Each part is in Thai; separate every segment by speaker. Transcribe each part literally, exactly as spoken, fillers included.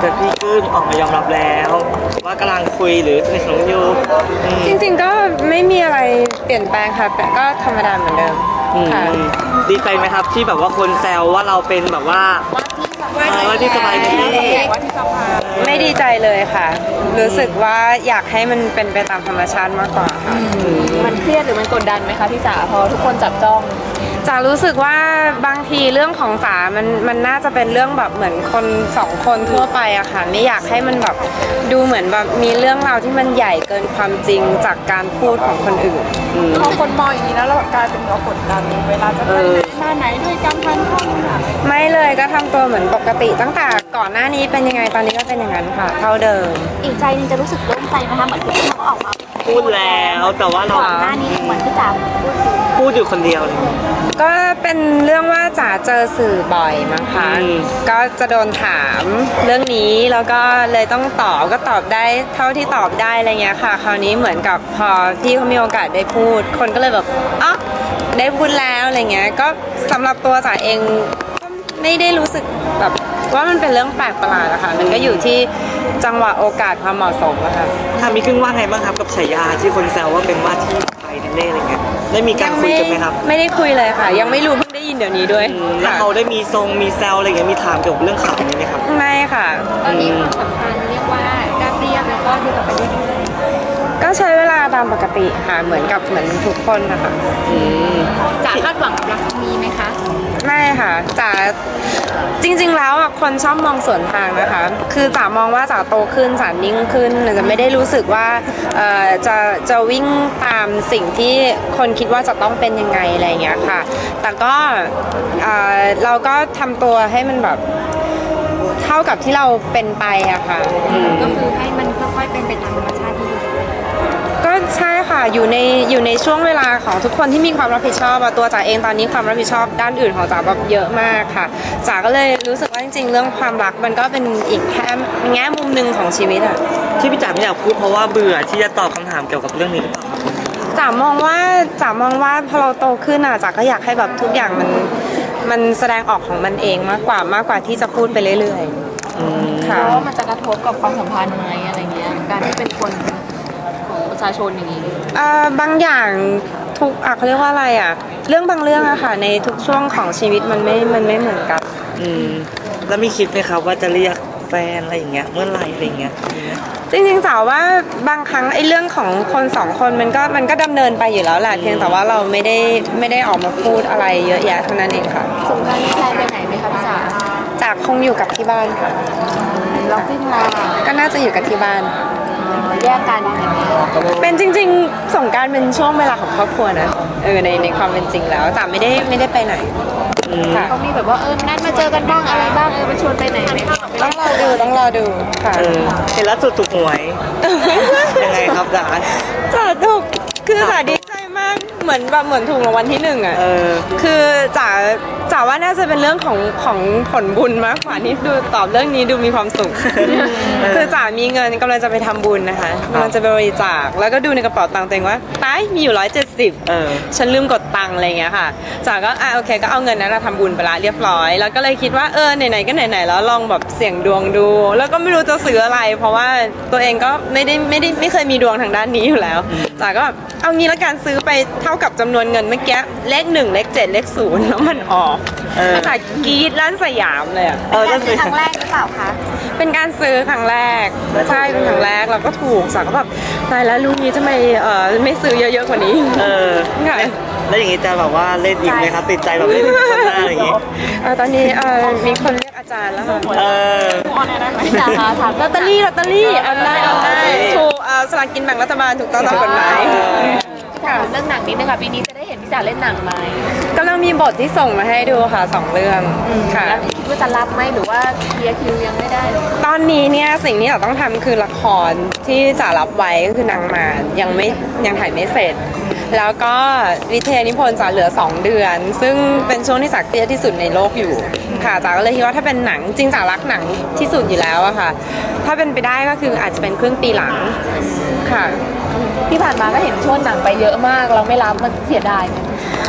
Speaker 1: แต่พี่กึ้งออกมายอมรับแล้วว่ากำลังคุยหรือสนิทสนมอยู่
Speaker 2: จริงๆก็ไม่มีอะไรเปลี่ยนแปลงค่ะก็ธรรมดาเหมือนเดิมค่ะ
Speaker 1: ดีใจไหมครับที่แบบว่าคนแซวว่าเราเป็นแบบว่าว่าที่สบายดี
Speaker 2: ไม่ดีใจเลยค่ะรู้สึกว่าอยากให้มันเป็นไปตามธรรมชาติมากกว่าค่ะ
Speaker 3: มันเครียดหรือมันกดดันไหมคะพี่จ๋าพอทุกคนจับจ้อง
Speaker 2: จ๋ารู้สึกว่าบางทีเรื่องของจ๋ามันมันน่าจะเป็นเรื่องแบบเหมือนคนสองคนทั่วไปอะค่ะไม่อยากให้มันแบบดูเหมือนแบบมีเรื่องราวที่มันใหญ่เกินความจริงจากการพูดของคนอื่น
Speaker 3: พอคนมองอย่างนี้แล้วเรากลายเป็นเรากดดันเวลาจะไปไหนมาไหนด้วยกันทันท่องค่ะ
Speaker 2: ไม่เลยก็ทำตัวเหมือนปกติตั้งแต่ก่อนหน้านี้เป็นยังไงตอนนี้ก็เป็นอย่างนั้นค่ะเท่าเดิม
Speaker 4: อีกใจนึงจะรู้สึกโล่งใจไหมคะเหมือนที่เขาออกมา
Speaker 1: พูดแล้วแต่ว่าเรา
Speaker 4: ก่อนหน้านี้เหมือนที่จ๋า
Speaker 1: พูดอยู่คนเดียวเลย
Speaker 2: ก็เป็นเรื่องว่าจ๋าเจอสื่อบ่อยมั้งคะก็จะโดนถามเรื่องนี้แล้วก็เลยต้องตอบก็ตอบได้เท่าที่ตอบได้อะไรเงี้ยค่ะคราวนี้เหมือนกับพอพี่เขามีโอกาสได้พูดคนก็เลยแบบอ๋อได้พูดแล้วอะไรเงี้ยก็สำหรับตัวจ๋าเองก็ไม่ได้รู้สึกแบบว่ามันเป็นเรื่องแปลกประหลาดอะค่ะมันก็อยู่ที่จังหวะโอกาสความเหมาะสมอะค่ะ
Speaker 1: ถ้ามีครึ่งว่าไงบ้างครับกับฉายาที่คนแซวว่าเป็นว่าที่ไทยนั่นเองอะไรเงี้ยได้มีการคุยกันไหมครับ
Speaker 2: ไม่ได้คุยเลยค่ะยังไม่รู้เพิ่งได้ยินเดี๋ยวนี้ด้วย
Speaker 1: แล้วเขาได้มีทรงมีแซวอะไรเงี้ยมีถามเกี่ยวกับเรื่องข่าวนี้ไหมครับ
Speaker 2: ไม่ค่ะ
Speaker 3: ตอนนี้ความสัมพันธ์เรียกว่าราบเรียบแล้วก็ดูต่อไปเรื่อย
Speaker 2: ๆก็ใช้เวลาตามปกติค่ะเหมือนกับเหมือนทุกคนนะคะ
Speaker 3: จ๋าคาดหวังกับรักมีไหมคะ
Speaker 2: ไม่ค่ะจ๋าจริงๆแล้วอ่ะคนชอบมองสวนทางนะคะคือจ๋ามองว่าจ๋าโตขึ้นจ๋านิ่งขึ้นจะไม่ได้รู้สึกว่าจะจะวิ่งตามสิ่งที่คนคิดว่าจะต้องเป็นยังไงอะไรอย่างเงี้ยค่ะแต่ก็เราก็ทำตัวให้มันแบบเท่ากับที่เราเป็นไปอะค่ะ
Speaker 3: ก็คือให้มันค่อยๆเป็นไปตามธรรมชาติที่ดี
Speaker 2: ก็ใช่ค่ะอยู่ในอยู่ในช่วงเวลาของทุกคนที่มีความรับผิดชอบตัวจ๋าเองตอนนี้ความรับผิดชอบด้านอื่นของจ๋าแบบเยอะมากค่ะจ๋าก็เลยรู้สึกว่าจริงๆเรื่องความรักมันก็เป็นอีกแค่แง่มุมหนึ่งของชีวิตอะ
Speaker 1: ที่พี่จ๋าไม่อยากพูดเพราะว่าเบื่อที่จะตอบคำถามเกี่ยวกับเรื่องนี้หรือเปล่า
Speaker 2: จ๋ามองว่าจ๋ามองว่าพอเราโตขึ้นอะจ๋าก็อยากให้แบบทุกอย่างมันมันแสดงออกของมันเองมากกว่ามากกว่าที่จะพูดไปเรื่อย
Speaker 3: ๆค่ะว่ามันจะกระทบกับความสัมพันธ์ไหมอะไรเงี้ยการที่เป็นคนประชาชนอย่างนี้
Speaker 2: บางอย่างทุกอ่ะเขาเรียกว่าอะไรอ่ะเรื่องบางเรื่องอะค่ะในทุกช่วงของชีวิตมันไม่มันไม่เหมือนกัน
Speaker 1: อืมแล้วมีคิดไหมครับว่าจะเรียกแฟนอะไรอย่างเงี้ยเมื่อไหร่อะไรเงี้ย
Speaker 2: จริงๆจ๋าว่าบางครั้งไอ้เรื่องของคนสองคนมันก็มันก็ดำเนินไปอยู่แล้วแหละเพียงแต่ว่าเราไม่ได้ไม่ได้ออกมาพูดอะไรเยอะแยะเท่านั้นเองค่ะ
Speaker 3: สงกรานต์นี้แพลนไปไหนไหมคะพี่จ๋า
Speaker 2: จ๋าคงอยู่กับที่บ้านค่ะ
Speaker 3: เราขึ้นมา
Speaker 2: ก็น่าจะอยู่กับที่บ้าน
Speaker 3: แยกกันอย่างนี้
Speaker 2: เป็นจริงๆสงกรานต์เป็นช่วงเวลาของครอบครัวนะเออในในความเป็นจริงแล้วจ๋าไม่ได้ไม่ได้ไปไหน
Speaker 3: เขามีแบบว่าเออนัดมาเจอกันบ้างอะไรบ้างเออมาชวนไปไหนไหม
Speaker 2: ต้องรอดูต้องรอดูค่ะ
Speaker 1: เห็นล่าสุดถูกหวยยังไงครับจ๋า
Speaker 2: จ๋าถูกคือจ๋าดีใจมากเหมือนแบบเหมือนถูกรางวัลที่หนึ่งอ่ะคือจ๋าจ๋าว่าน่าจะเป็นเรื่องของของผลบุญมากกว่านี่ดูตอบเรื่องนี้ดูมีความสุขคือจ๋ามีเงินกำลังจะไปทำบุญนะคะกำลังจะไปบริจาคแล้วก็ดูในกระเป๋าตังค์ตัวเองว่าตายมีอยู่ร้อยเจ็ดสิบฉันลืมกดตังค์อะไรเงี้ยค่ะจ๋าก็อ่ะโอเคก็เอาเงินนั้นมาทำบุญไปละเรียบร้อยแล้วก็เลยคิดว่าเออไหนๆก็ไหนๆแล้วลองแบบเสี่ยงดวงดูแล้วก็ไม่รู้จะซื้ออะไรเพราะว่าตัวเองก็ไม่ได้ไม่ได้ไม่เคยมีดวงทางด้านนี้อยู่แล้วจ๋าก็แบบเอางี้ละกันซื้อไปเท่ากับจำนวนเงินเมื่อกี้เลขหนึ่งเลขเจ็ดเลขศูนย์แล้วมันออกจ๋ากรี๊ดลั่นสยามเลยอ่ะ
Speaker 4: เออเป็นครั้งแรกหรือเปล่าคะ
Speaker 2: เป็นการซื้อครั้งแรกใช่เป็นครั้งแรกเราก็ถูกจ๋าก็แบบตายแล้วลูกนี้ทำไมเออไม่ซื้อเยอะๆกว่านี้
Speaker 1: เออ
Speaker 2: ค่ะ
Speaker 1: แล้วอย่างนี้จะแบบว่าเล่นอีกไหมครับติดใจแบบเล่นคนหน้าอย่างนี้
Speaker 2: ตอนนี้มีคนเรียกอาจารย์แล้วค่ะ
Speaker 1: เออ
Speaker 3: พี่จ๋าคะถาม
Speaker 2: ลอตเตอรี่ลอตเตอรี่เอาได้เอาได้ถูกสลากกินแบ่งรัฐบาลถูกต้องตามกฎหมาย
Speaker 3: เรื่องหนังนี้นะคะปีนี้จะได้เห็นพี่จ๋าเล่นหนังไหม
Speaker 2: กำลังมีบทที่ส่งมาให้ดูค่ะสองเรื่องค่ะ
Speaker 3: คิดว่าจะรับไหมหรือว่าเคลียร์คิวยังไม่ได้
Speaker 2: ตอนนี้เนี่ยสิ่งที่เราต้องทำคือละครที่จ๋ารับไว้ก็คือนางมารยังไม่ยังถ่ายไม่เสร็จแล้วก็วิทยานิพนธ์จ๋าเหลือสองเดือนซึ่งเป็นช่วงที่จ๋าเครียดที่สุดในโลกอยู่ค่ะจ๋าก็เลยคิดว่าถ้าเป็นหนังจริงจ๋ารักหนังที่สุดอยู่แล้วอะค่ะถ้าเป็นไปได้ก็คืออาจจะเป็นครึ่งปีหลังค่ะ
Speaker 3: ที่ผ่านมาก็เห็นช่วงหนังไปเยอะมากเราไม่รับมันเสียดายไหม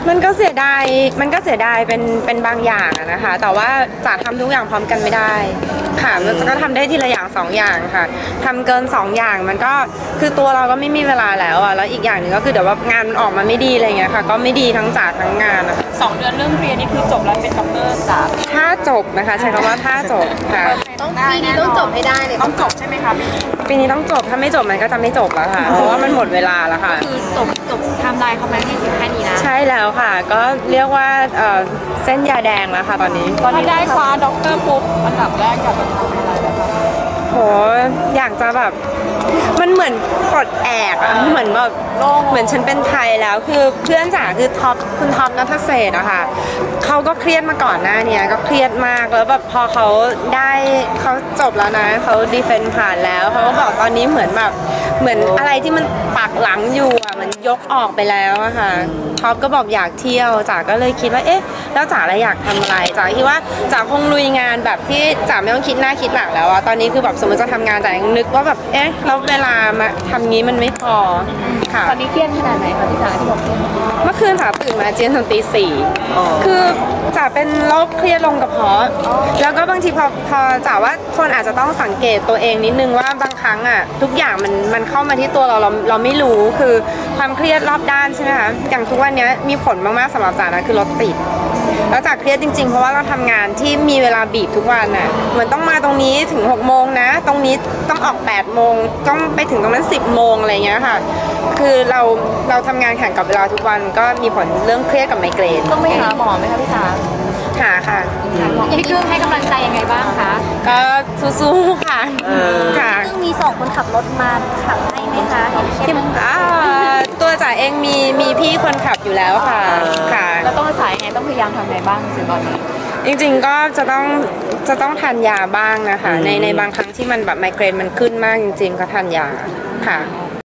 Speaker 2: มันก็เสียดาย มันก็เสียดายเป็นเป็นบางอย่างอะนะคะ แต่ว่าจ๋าทำทุกอย่างพร้อมกันไม่ได้ ค่ะมันก็ทำได้ทีละอย่างสองอย่างค่ะทำเกินสองอย่างมันก็คือตัวเราก็ไม่มีเวลาแล้วอะแล้วอีกอย่างหนึ่งก็คือเดี๋ยวว่างานมันออกมาไม่ดีอะไรเงี้ยค่ะ ก็ไม่ดีทั้งจ๋าทั้งงานอะ
Speaker 3: สองเดือนเรื่องเรียนนี่คือจบแล้วเป็นด็อกเตอร์จ๋า
Speaker 2: ถ้าจบนะคะใช้คำว่าถ้าจบค่ะ
Speaker 4: ต้องปีนี้ต้องจบให้ได้เลย
Speaker 3: ต้องจบใช่ไหมคะ
Speaker 2: ปีนี้ต้องจบ ถ้าไม่จบมันก็จะไม่จบแล้วค่ะ เพราะว่ามันหมดเวลาแล้วค่ะ
Speaker 3: คือจบจบไทม์ไลน์เขาไหมที่ถึงแค่นี้นะ
Speaker 2: ใช่แล้วค่ะ ก็เรียกว่าเอ่อเส้นยาแดงแล้วค่ะตอนนี้
Speaker 3: ตอนนี้ได้คว้าด็อกเตอร์ปุ๊บอันดับแรกอยากจะทำอะไรนะคะ
Speaker 2: โหอยากจะแบบมันเหมือนปลดแอกอะเหมือนแบบเหมือนฉันเป็นไทยแล้วคือเพื่อนจ๋าคือท็อปคุณท็อปนัทเศรษฐ์อะค่ะเขาก็เครียดมาก่อนหน้านี้ก็เครียดมากแล้วแบบพอเขาได้เขาจบแล้วนะเขาดีเฟนต์ผ่านแล้วเขาก็บอกตอนนี้เหมือนแบบเหมือนอะไรที่มันปักหลังอยู่อะมันยกออกไปแล้วอะค่ะท็อปก็บอกอยากเที่ยวจ๋าก็เลยคิดว่าเอ๊ะแล้วจ๋าอะไรอยากทำอะไรจ๋าคิดว่าจ๋าคงลุยงานแบบที่จ๋าไม่ต้องคิดหน้าคิดหลังแล้วอะตอนนี้คือแบบสมมติจะทำงานจ๋ายังนึกว่าแบบเอ๊ะแล้วเวลามาทำงี้มันไม่พอค่ะ
Speaker 3: ตอนนี้เครียดขนาดไหนคะพี่จ๋าที่บอกเครียด
Speaker 2: เมื่อคืนจ๋าตื่นมาเจียนตอนตีสี่คือจ๋าเป็นโรคเครียดลงกระเพาะแล้วก็บางทีพอพอจ๋าว่าคนอาจจะต้องสังเกตตัวเองนิดนึงว่าบางครั้งอ่ะทุกอย่างมันมันเข้ามาที่ตัวเราเราเราไม่รู้คือความเครียดรอบด้านใช่ไหมคะอย่างทุกวันนี้มีผลมากๆสำหรับจ๋านะคือรถติดแล้วจ๋าเครียดจริงๆเพราะว่าเราทำงานที่มีเวลาบีบทุกวันน่ะเหมือนต้องมาตรงนี้ถึงหกโมงนะตรงนี้ต้องออกแปดโมงต้องไปถึงตรงนั้นสิบโมงอะไรเงี้ยค่ะคือเราเราทำงานแข่งกับเวลาทุกวันก็มีผลเรื่องเครียดกับไมเกรน
Speaker 3: ต้องไปหาหมอไหมคะพี่จ๋า
Speaker 2: หาค่ะ
Speaker 3: พี่กึ้งให้กำลังใจยังไงบ้างคะ
Speaker 2: ก็สู้ๆค่ะค่ะ
Speaker 4: ซึ่งมีส่งคนขับรถมาขับให้ไหมคะเห็นเคส
Speaker 2: ที่
Speaker 4: นึง
Speaker 2: อ่าตัวจ๋าเองมีมีพี่คนขับอยู่แล้วค่ะค่ะ
Speaker 3: แล้วต้องรักษายังไงต้องพยายามทำไงบ้างถึงตอนนี้
Speaker 2: จริงๆก็จะต้องจะต้องทานยาบ้างนะคะในในบางครั้งที่มันแบบไมเกรนมันขึ้นมากจริงๆก็ทานยาค่ะ